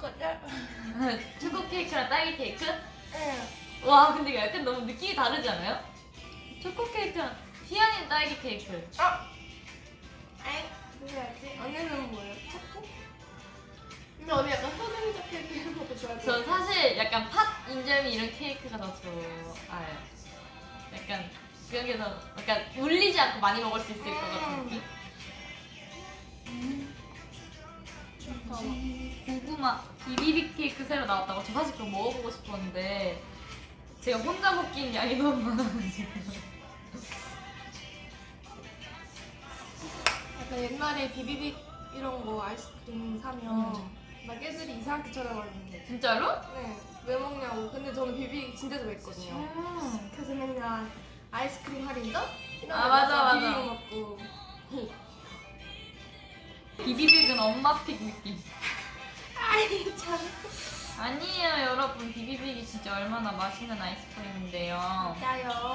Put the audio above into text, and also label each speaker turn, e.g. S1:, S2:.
S1: 거죠?
S2: 초코 케이크랑 딸기 케이크?
S1: 응.
S2: 와 근데 이거 약간 너무 느낌이 다르지 않아요? 초코 케이크랑 희연이는 딸기 케이크.
S1: 아이, 뭐야지? 언니는 뭐예요? 초코? 근데 언니 약간 소금이자 케이크 이런 것도 좋아해요.
S2: 전 사실 약간 팥 인절미 이런 케이크가 더 좋아요. 약간 그런 게 더 약간 울리지 않고 많이 먹을 수 있을 것 같은 느낌? 고구마 비비빅 케이크 새로 나왔다고. 저 사실 그거 먹어보고 싶었는데 제가 혼자 먹기엔 양이 너무 많아가지고.
S1: 약간 옛날에 비비빅 이런 거 아이스크림 사면 막 애들이 이상하게 쳐다봤는데.
S2: 진짜로?
S1: 네. 왜 먹냐고. 근데 저는 비비빅 진짜 좋아했거든요. 그래서 맨날 아이스크림 할인점? 이런
S2: 아,
S1: 데
S2: 맞아,
S1: 가서
S2: 맞아.
S1: 비비빅 먹고.
S2: 비비빅은 엄마 픽 느낌.
S1: 아이 참.
S2: 아니에요 여러분, 비비빅이 진짜 얼마나 맛있는 아이스크림인데요.
S1: 진짜요.